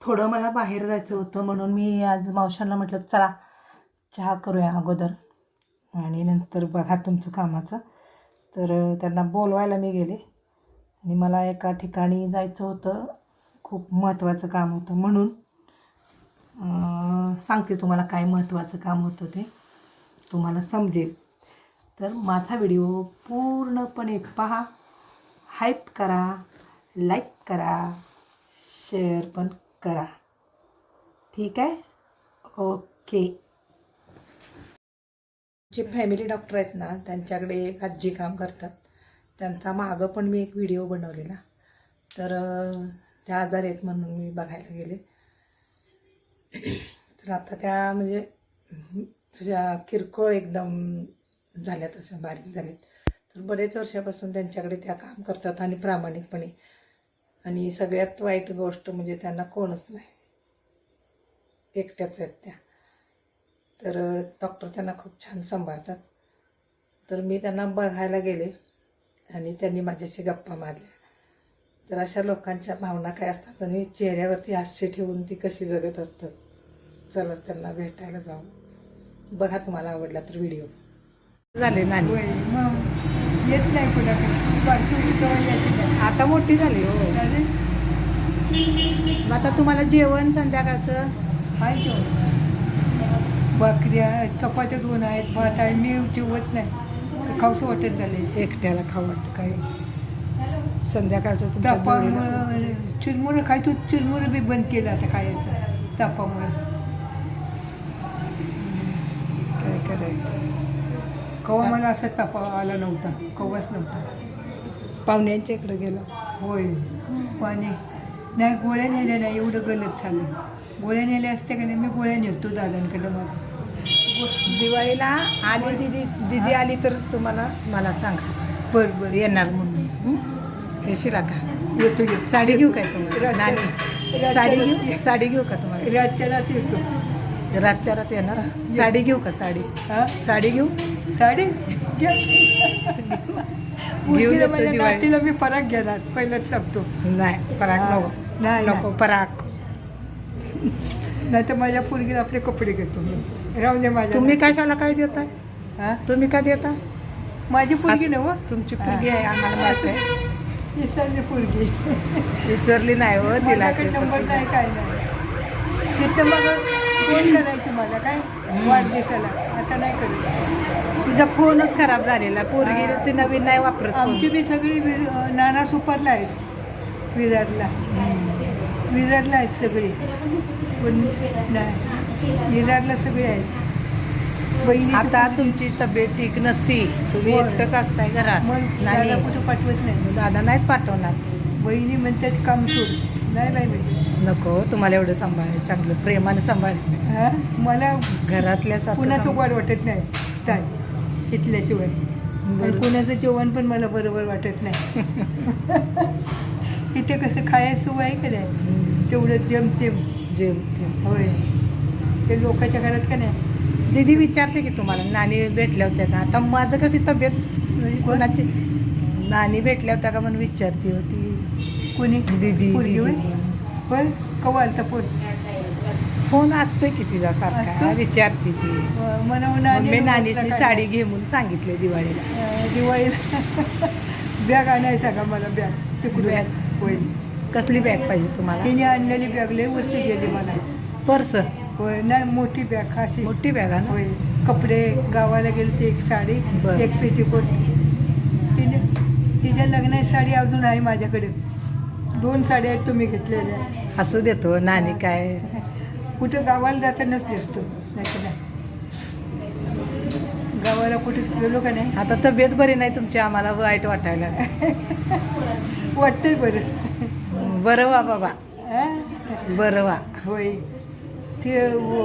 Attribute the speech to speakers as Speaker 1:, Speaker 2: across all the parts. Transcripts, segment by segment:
Speaker 1: थोडं मला बाहेर जायचं होतं म्हणून मी आज मावशांना म्हटलं चला चहा करूया अगोदर आणि नंतर बघा तुमचं कामाचं. तर त्यांना बोलवायला मी गेले आणि मला एका ठिकाणी जायचं होतं, खूप महत्त्वाचं काम होतं म्हणून सांगते तुम्हाला काय महत्त्वाचं काम होतं ते तुम्हाला समजेल. तर माझा व्हिडिओ पूर्णपणे पहा, हाईप करा, लाईक करा, शेअर पण करा. ठीक आहे, ओके. जे फॅमिली डॉक्टर आहेत ना त्यांच्याकडे एक आजी काम करतात, त्यांचा मागं पण मी एक व्हिडिओ बनवलेला. तर त्या आजार आहेत म्हणून मी बघायला गेले. तर आता त्या म्हणजे तशा किरकोळ एकदम झाल्यात, अशा बारीक झाल्यात. तर बरेच वर्षापासून त्यांच्याकडे त्या काम करतात आणि प्रामाणिकपणे. आणि सगळ्यात वाईट गोष्ट म्हणजे त्यांना कोणच नाही, एकट्याच आहेत त्या. तर डॉक्टर त्यांना खूप छान सांभाळतात. तर मी त्यांना बघायला गेले आणि त्यांनी माझ्याशी गप्पा मारल्या. तर अशा लोकांच्या भावना काय असतात आणि चेहऱ्यावरती हास्य ठेवून ती कशी जगत असतात. चला त्यांना भेटायला जाऊ. बघा, तुम्हाला आवडला तर व्हिडिओ. झाले नानी
Speaker 2: येत नाही कुणाकडे,
Speaker 1: आता मोठी झाली हो. आता तुम्हाला जेवण संध्याकाळचं
Speaker 2: काय जेवण? भाकऱ्या चपात्या 2 आहेत, भात आहे. मी जेवत नाही, खाऊसं वाटत झाले.
Speaker 1: एकट्याला खाऊ वाटतं काय संध्याकाळचं तुमच्या जोडीला?
Speaker 2: तापामुळं चिरमुरं खायचो, चिरमुरं बी बंद केलं आता खायचं तापामुळं.
Speaker 1: काय करायचं.
Speaker 2: कवा मला असा तापा आला नव्हता, कवाच नव्हता.
Speaker 1: पाहुण्यांच्या इकडं गेलो.
Speaker 2: होय, पाणी नाही, गोळ्या नेल्या नाही, एवढं गलत झालं. गोळ्या नेल्या असत्या का नाही, मी गोळ्या नेतो दादांकडं. मग
Speaker 1: दिवाळीला आली दिदी आली तर तुम्हाला मला सांगा.
Speaker 2: बरं
Speaker 1: येणार म्हणून. येशील का?
Speaker 2: येतो.
Speaker 1: साडी घेऊ काय तुम्हाला? नानी साडी घेऊ का तुम्हाला?
Speaker 2: रातच्या रात येतो.
Speaker 1: रातच्या रात येणार. साडी घेऊ का? साडी साडी घेऊ.
Speaker 2: साडी
Speaker 1: घेऊन
Speaker 2: माझ्या नातीला मी पराग घेणार, पहिलंच सांगतो.
Speaker 1: नाही पराग नको.
Speaker 2: नाही
Speaker 1: नको पराग.
Speaker 2: नाही तर माझ्या पोरगीला आपले कपडे घेतो मी. राहून दे माझ्या.
Speaker 1: तुम्ही कशाला काय देताय? तुम्ही काय देता?
Speaker 2: माझी पोरगी नव,
Speaker 1: तुमची पोरगी आहे, आम्हाला माहिती आहे.
Speaker 2: विसरली पोरगी.
Speaker 1: विसरली नाही हो तिला.
Speaker 2: नंबर नाही, काय नाही. तिथं मग फोन करायची मला काय वाढदिवसाला, आता नाही करत.
Speaker 1: तिचा फोनच खराब झालेला. पोरगी ती नवीन नाही वापरत.
Speaker 2: आमची बी सगळी नाना सुपरला आहेत, विरारला. विरारला आहेत सगळी, पण नाही विरारला सगळे आहेत. बहिणी
Speaker 1: आता तुमची तब्येत ठीक नसती, तुम्ही एकटंच असताय घरात.
Speaker 2: मग दादा कुठं पाठवत नाही.
Speaker 1: दादा नाहीत पाठवणार.
Speaker 2: बहिणी म्हणतात काम सोड. नाही बाई म्हणजे
Speaker 1: नको, तुम्हाला एवढं सांभाळायचं, चांगलं प्रेमाने सांभाळ.
Speaker 2: मला
Speaker 1: घरातल्या
Speaker 2: कुणाचं वाढ वाटत नाही काय इथल्याशिवाय. कुणाचं जेवण पण मला बरोबर वाटत नाही. इथे कसं खायचं आहे का नाही, तेवढं जेमतेम. होय, ते लोकांच्या घरात का नाही.
Speaker 1: दीदी विचारते की तुम्हाला नानी भेटल्या होत्या का? आता माझं कशी तब्येत म्हणजे कोणाची नानी भेटल्या होत्या का म्हणून विचारते होती.
Speaker 2: कोणी?
Speaker 1: दीदी.
Speaker 2: पण कवा आलता
Speaker 1: फोन असतोय की तिचा सारखा, विचारते ती. मी नानीची साडी घे म्हणून सांगितले दिवाळीला.
Speaker 2: बॅग आणायचा का मला? बॅग तिकडून.
Speaker 1: बॅग
Speaker 2: होय.
Speaker 1: कसली बॅग पाहिजे तुम्हाला?
Speaker 2: तिने आणलेली बॅग लय वस्तू गेली मला.
Speaker 1: पर्स?
Speaker 2: होय, नाही मोठी बॅग, अशी
Speaker 1: मोठी बॅग आहे ना.
Speaker 2: होय. कपडे गावाला गेले ते, एक साडी, एक पेटीकोट. तिने तिच्या लग्नाची साडी अजून आहे माझ्याकडे. 2 साड्या आहेत तुम्ही घेतलेल्या.
Speaker 1: असू देतो नानी काय.
Speaker 2: कुठं गावाला जातानाच दिसतो, नाही तर नाही. गावाला कुठे गेलो का नाही.
Speaker 1: आता तब्येत बरी नाही तुमची, आम्हाला वाईट वाटायला
Speaker 2: वाटतंय बरं.
Speaker 1: बरं वा बाबा, बरं वा.
Speaker 2: होय, ते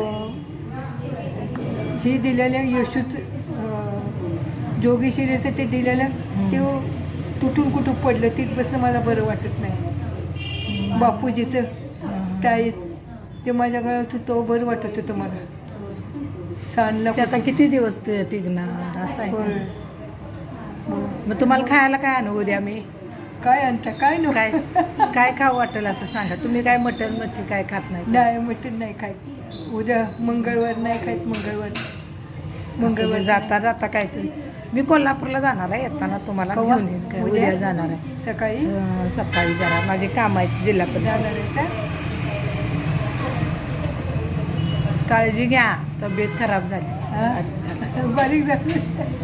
Speaker 2: ही दिलेल्या यशूच जोगेश्वरीचं ते दिलेलं ते तुटून कुठून पडलं, तिथपासून मला बरं वाटत नाही. बापूजीचं टाळीत ते माझ्या गळ्यात तो बरं वाटत होतं मला. सांडला
Speaker 1: आता किती दिवस ते टिकणार असं आहे.
Speaker 2: होय.
Speaker 1: मग तुम्हाला खायला काय आणू उद्या? मी
Speaker 2: काय आणता काय नको
Speaker 1: काय काय खाऊ वाटेल असं सांगा. तुम्ही काय मटण मच्छी काय खात नाही?
Speaker 2: नाही मटण नाही खात. उद्या मंगळवार नाही खात. मंगळवार
Speaker 1: जाता जाता काहीतरी. मी कोल्हापूरला जाणार आहे, येताना तुम्हाला
Speaker 2: केव्हा?
Speaker 1: घेऊन येईन. काय
Speaker 2: उद्या?
Speaker 1: उद्या जाणार आहे
Speaker 2: सकाळी
Speaker 1: सकाळी जरा माझे काम आहेत जिल्हा परिषद.
Speaker 2: जाणार आहे का?
Speaker 1: काळजी घ्या, तब्येत खराब झाली.
Speaker 2: हा? बारीक झाली.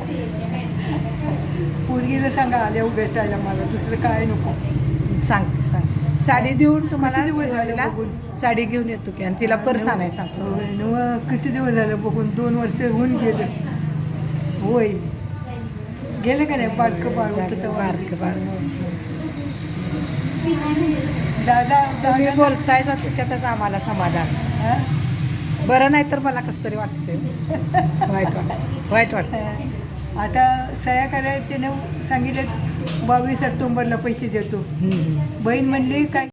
Speaker 2: पोरगीला सांगा आल्या भेटायला मला, दुसरं काय नको.
Speaker 1: सांगते साडी देऊन तुम्हाला
Speaker 2: किती दिवस झाले
Speaker 1: दिवाळीला
Speaker 2: बघून?
Speaker 1: साडी घेऊन येतो की, आणि तिला पर्स आणाय सांगतो.
Speaker 2: होय न, किती दिवस झालं बघून. 2 वर्ष होऊन गेले. होय गेलं का नाही? बारकं बाळ होतं तेव्हा.
Speaker 1: बारकं बाळ.
Speaker 2: दादा
Speaker 1: तुम्ही बोलताय त्याच्यातच आम्हाला समाधान.
Speaker 2: हा?
Speaker 1: बरं नाही तर मला कसं तरी वाटतं. वाईट वाटतं.
Speaker 2: आता सह्या करायला त्यानं सांगितलं 22 ऑक्टोबरला पैसे देतो. बहीण म्हणली काय